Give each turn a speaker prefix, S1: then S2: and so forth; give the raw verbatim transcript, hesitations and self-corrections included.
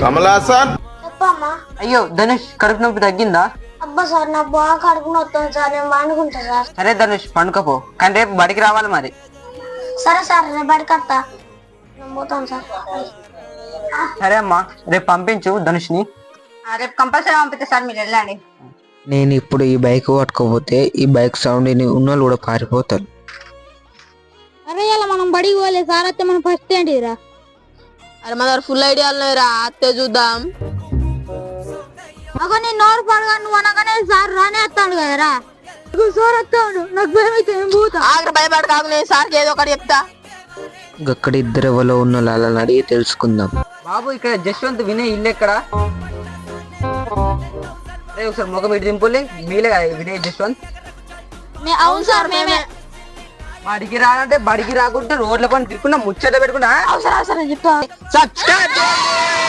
S1: కమలాసన్
S2: చెప్పమ్మా.
S3: అయ్యో ధనుష్ కడుపు నొప్పి తగ్గిందా?
S2: అబ్బా సార్ నా బాగా కడుపు నొస్తుంది సార్, నేను వండుకుంటా సార్.
S3: సరే ధనుష్ పండుకపో, కానీ రేపు బడికి రావాలి మరి.
S2: సరే సార్, రేపు బడికత్తా, నేను పోతాను సార్.
S3: సరే అమ్మా, రేపు పంపించు ధనుష్ని.
S2: రేపు కంపల్సరీ పంపిస్తా సార్, మీరు వెళ్ళండి.
S4: నేను ఇప్పుడు ఈ బైక్ పట్టుకోపోతే ఈ బైక్ సౌండ్ ఉన్నోళ్ళు కూడా పారిపోతారు.
S5: అరే ఇలా మనం బడికి పోలే సార్, అయితే మనం ఫస్ట్ ఏంటిరా?
S6: అరే మన దగ్గర ఫుల్ ఐడియాలు లేరా, అత్తే చూద్దాం.
S5: అగో నీ నోరు పడగా నువ్వు అనగానే సార్ రానే వస్తాడు కదరా. సార్ వస్తాడు, నాకు భయం అయితే ఏం పోతా.
S6: ఆగ్ర భయపడ కాకు, నేను సార్కి ఏదో ఒకటి చెప్తా.
S4: అక్కడ ఇద్దరు ఎవరో ఉన్న వాళ్ళని అడిగి తెలుసుకుందాం.
S3: బాబు ఇక్కడ జశ్వంత్ వినయ్ ఇల్లు ఎక్కడ? అరే ఒకసారి ముఖం ఇటు దింపులే, మీలే కదా వినయ్ జశ్వంత్?
S5: అవును సార్ మేమే.
S3: బడికి రానంటే బడికి రాకుంటే రోడ్ల పని తిరుక్కున్నా ముచ్చట పెట్టుకున్నా.
S5: అవసరం అవసరం చెప్తా.
S3: సబ్స్క్రైబ్